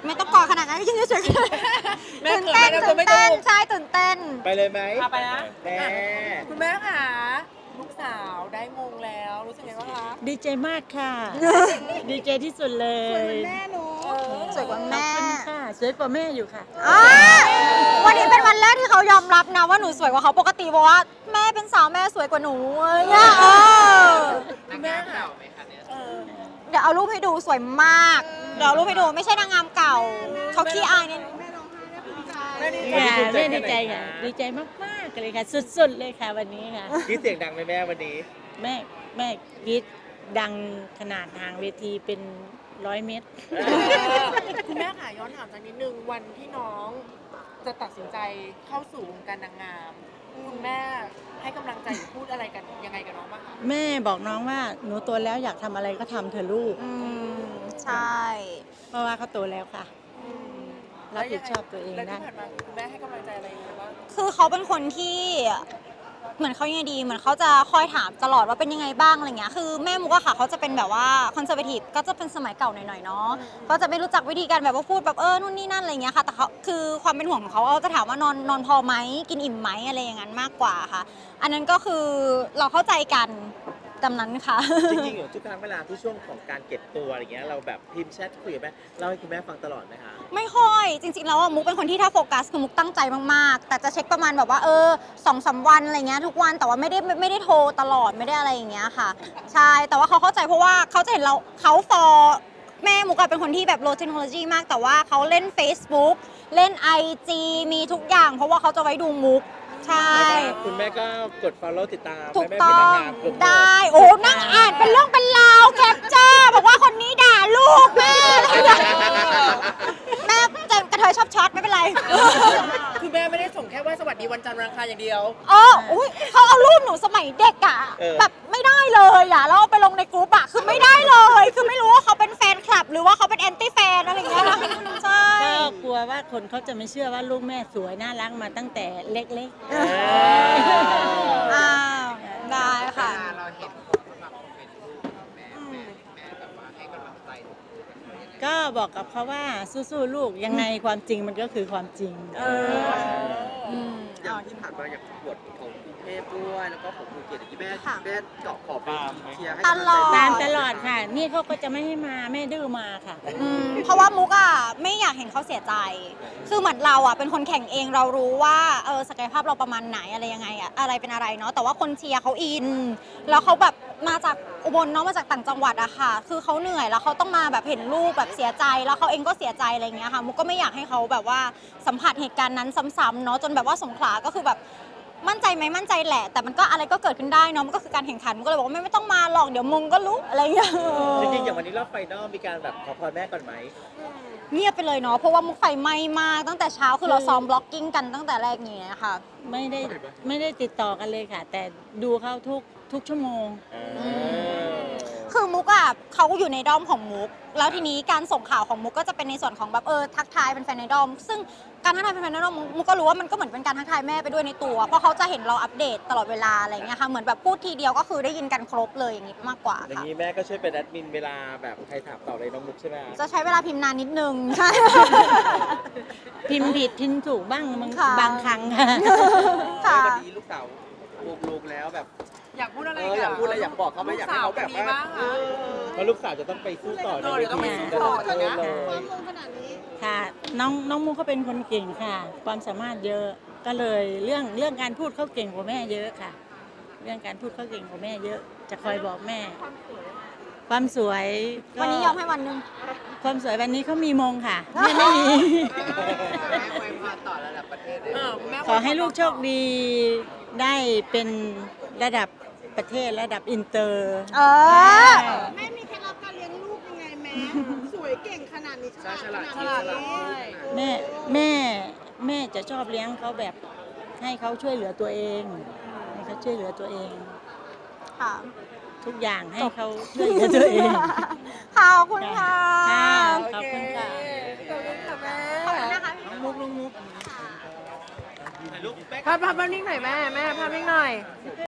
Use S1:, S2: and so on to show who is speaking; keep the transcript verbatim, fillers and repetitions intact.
S1: ไม่ต้องกอดขนาดนั้นยืนเฉยๆ
S2: แม่
S1: ตื่น
S2: เขิน
S1: เต้น
S2: แม่
S1: ตื่น
S2: ไม่
S1: เต้น
S2: ถูก
S1: ใช่ตื่นเต้น
S3: ไปเลยไหม
S2: พาไปนะ
S3: แม่
S2: คุณแม่ค่ะลูกสาวได้มงแล้วรู้สึกไงบ้างคะ
S4: ดีใจมากค่ะ ดีใจที่สุดเลย
S2: แม่หนู
S1: สวยกว่าแม่
S4: ขอบคุณค่ะ สวยกว่าแม่อยู่ค่ะ
S1: อ่าวันนี้เป็นวันแรกที่เขายอมรับนะว่าหนูสวยกว่าเขาปกติบอกว่าแม่เป็นสาวแม่สวยกว่าหนูอะไรเงี้ยเออ
S2: คุณแม่ค่ะเออ
S1: เดี๋ยวเอารูปให้ดูสวยมาก เดี๋ยวเอารูปให้ดูไม่ใช่นางงามเก่าเขาขี้อายนิดนึง
S2: แม่ดีใจ
S4: ค่ะแม่ดีใจค่ะ ดีใจมากๆเลยค่ะ สุดๆเลยค่ะวันนี้ค่ะ
S3: คิดเสียงดังไหมแม่วันนี้
S4: แม่แม่กรีดดังขนาดทางเวทีเป็นร้อยเมตร
S2: คุณแม่ค่ะย้อนถามสักนิดนึงวันที่น้องจะตัดสินใจเข้าสู่วงการนางงามคุณแม่ให้กำลังใจหรือพูดอะไรกันยังไงกับน้องบ้างคะ
S4: แม่บอกน้องว่าหนูโตแล้วอยากทำอะไรก็ทำเถอะลูก
S1: อืมใช่
S4: เพราะว่าเขาโตแล้วค่ะ รับผิดชอบตัวเอง
S2: แล้ว
S4: ได้
S2: ที่ผ่านมาคุณแม่ให้กำลังใจอะไรยังไงบ้าง
S1: คือเขาเป็นคนที่เหมือนเขายังไงดีเหมือนเขาจะคอยถามตลอดว่าเป็นยังไงบ้างอะไรเงี้ยคือแม่มุกอะค่ะเขาจะเป็นแบบว่าคอนเซอร์เวทีฟก็จะเป็นสมัยเก่าหน่อยๆเนาะก็จะไม่รู้จักวิธีการแบบว่าพูดแบบเออนู่นนี่นั่นอะไรเงี้ยค่ะแต่เขาคือความเป็นห่วงของเขาเขาจะถามว่านอนนอนพอไหมกินอิ่มไหมอะไรอย่างนั้นมากกว่าค่ะ อันนั้นก็คือเราเข้าใจกันตามนั้นค่ะ
S3: จริงๆอยู่ทุกครั้งเวลาที่ช่วงของการเก็บตัวอะไรเงี้ยเราแบบพิมพ์แชทคุยกับแม่เล่าให้คุณแม่ฟังตลอดไหมคะ
S1: ไม่ค่อยจริงๆแล้วอะมุกเป็นคนที่ถ้าโฟกัสคือมุกตั้งใจมากๆแต่จะเช็คประมาณแบบว่าเออสองสามวันอะไรเงี้ยทุกวันแต่ว่าไม่ได้ไม่ไม่ได้โทรตลอดไม่ได้อะไรอย่างเงี้ยค่ะใช่แต่ว่าเขาเข้าใจเพราะว่าเขาจะเห็นเราเขาฟอแม่มุกอะเป็นคนที่แบบโลเทคโนโลยีมากแต่ว่าเขาเล่น Facebook เล่น ไอ จี มีทุกอย่าง เพราะว่าเขาจะไว้ดูมุกใช่
S3: คุณแม่ก็กด follow ติดตาม
S1: ถูก
S3: แม่
S1: ต้
S3: เป็น
S1: อน
S3: าง
S1: ง
S3: งามกลุ่ม
S1: ได้ โอ้นั่งอ่านเป็นเรื่องเป็นราวแคปเจอร์บอกว่าคนนี้ด่าลูกแม่อะไรอย่างเงี้ยแม่จะกระเทยชอบช็อตไม่เป็นไร
S2: คือแม่ไม่ได้ส่งแค่ว่าสวัสดีวันจันทร์วันอังคารอย่างเดียว
S1: อ๋ออุ้ยเขาเอารูปหนูสมัยเด็กอะแบบไม่ได้เลยอะแล้วเอาไปลงในกรุ๊ปอะคือไม่ได้เลย คือไม่รู้ว่าเขาเป็นแฟนคลับ หรือว่าเขาเป็นแอนตี้แฟนอะไรอย่างเงี้ยนะใช่
S4: ก็กลัวว่าคนเขาจะไม่เชื่อว่าลูกแม่สวยน่ารักมาตั้งแต่เล็ก
S3: เออ
S1: อ้าวได้ค่ะ
S5: เราเห็นคนแบบเป็นลูกแม่แม่แม่แบบว่าให้กำลังใจ
S4: ๆ ก็บอกกับเขาว่าสู้ๆลูกยังไงความจริงมันก็คือความจริง
S1: อืม
S5: อย่างที่ผ่านมาอย่างประกวดของกรุงเทพด้วยแล้วก็ของภูเก็ตที่แม่
S1: ค่ะ
S5: แม่เกาะขอบไปเชียร์ให้
S1: ตลอด
S4: ตามตลอดค่ะ นี่เขาก็จะไม่ให้มาแม่ดื้อมาค่ะ
S1: อืมเพราะว่ามุกอ่ะไม่อยากเห็นเขาเสียใจ คือเหมือนเราอ่ะเป็นคนแข่งเองเรารู้ว่าเออศักยภาพเราประมาณไหนอะไรยังไงอะอะไรเป็นอะไรเนาะแต่ว่าคนเชียร์เขาอิน แล้วเขาแบบมาจากอุบลเนาะมาจากต่างจังหวัดอะค่ะ คือเขาเหนื่อยแล้วเขาต้องมาแบบเห็นลูกแบบเสียใจ แล้วเขาเองก็เสียใจอะไรอย่างเงี้ยค่ะมุกก็ไม่อยากให้เขาแบบว่าสัมผัสเหตุการณ์นั้นซ้ำๆเนาะจนแบบว่าสงขลาก็คือแบบมั่นใจไหมมั่นใจแหละ แต่มันก็อะไรก็เกิดขึ้นได้เนาะมันก็คือการแข่งขันมุกก็เลยบอกว่าไม่ไม่ต้องมาหรอกเดี๋ยวมึงก็รู้อะไรอย่างเงี้ย
S3: จริงๆอย่างวันนี้รอบไฟนอลมีการแบบขอพรแม่ก่อนไหม
S1: เงียบไปเลยเนาะเพราะว่ามุกไฟไหม้มากตั้งแต่เช้าคือเราซ้อมบล็อกกิ้งกันตั้งแต่แรกอย่างเงี้ยค่ะ
S4: ไม่ได้ไม่ได้ติดต่อกันเลยค่ะ แต่ดูเขาทุกทุกชั่วโมง
S3: เออ
S1: คือมุกอะเขาอยู่ในด้อมของมุก แล้วทีนี้การส่งข่าวของมุกก็จะเป็นในส่วนของแบบเออทักทายเป็นแฟนในด้อม ซึ่งการทักทายเป็นแฟนในด้อมมุกมุกก็รู้ว่ามันก็เหมือนเป็นการทักทายแม่ไปด้วยในตัว เพราะเขาจะเห็นเราอัปเดตตลอดเวลาอะไรเงี้ยค่ะเหมือนแบบพูดทีเดียวก็คือได้ยินกันครบเลยอย่างงี้มากกว่า
S3: อย่าง
S1: ค่ะ
S3: นี้แม่ก็ช่วยเป็นแอดมินเวลาแบบใครถามตอบเลยน้องมุกใช่ไหม
S1: จะใช้เวลาพิมพ์นานนิดนึงใช่
S4: พิมพ์ผิดพิมพ์ถูกบ้างบาง
S1: ค่ะ
S4: บางครั้งค่ะ
S1: ค่ะ
S5: วันนี้ลูกสาวลูกๆแล้วแบบ
S2: อยากพูดอะไร
S5: เอออยากพูดอะไรอยากบอกเขาไหมอยากให้เขาแบบว่า
S3: เออเพราะลูกสาวจะต้องไปสู้ต่อใน
S2: เออ
S3: เว
S2: เดี๋ยวต้อง
S3: ที
S2: ไปสู้
S3: ระ
S2: ต่อ
S3: ดับประเทศ
S2: นะ
S3: เลย
S4: ค่ะน้องน้องมุกเขาเป็นคนเก่งค่ะ ความสามารถเยอะก็เลยเรื่องเรื่องการพูดเขาเก่งกว่าแม่เยอะค่ะ เรื่องการพูดเขาเก่งกว่าแม่เยอะ จะคอยบอกแม่ ความสวยก็
S1: วันนี้ยอมให้วันหนึง
S4: ความสวยวันนี้เขามีมงค่ะแม่ไม่มี
S5: แม่ไว้พาต่อระดับประเทศเลย
S2: เออคุณแม่
S4: ขอให้ลูกโชคดีได้เป็นระดับประเทศระดับอินเตอร์
S1: เออ
S6: แม่มีเคล็ดลับการเลี้ยงลูกยังไงแม่ สวยเก่งขนาดนี้ฉลาดขนาด
S2: ฉลาดเล
S6: นี้
S2: ย
S4: แม่แม่แม่จะชอบเลี้ยงเขาแบบให้เขาช่วยเหลือตัวเองให้เขาช่วยเหลือตัวเอง
S1: ค่ะ
S4: ทุกอย่างให้เขาช่วยเหลือตัวเอง
S1: ขอบคุณค่ะ
S4: ค่ะ
S2: โอ
S4: ขอบ
S2: เค
S4: คุณค่ะ
S2: ขอบคุณค่ะแม่
S1: ขอบคุณนะคะ
S2: มุกมุกมุก
S3: ถ่ายรูปแม่
S2: ภาพภาพนิ่งหน่อยแม่แม่ภาพนิ่งหน่อย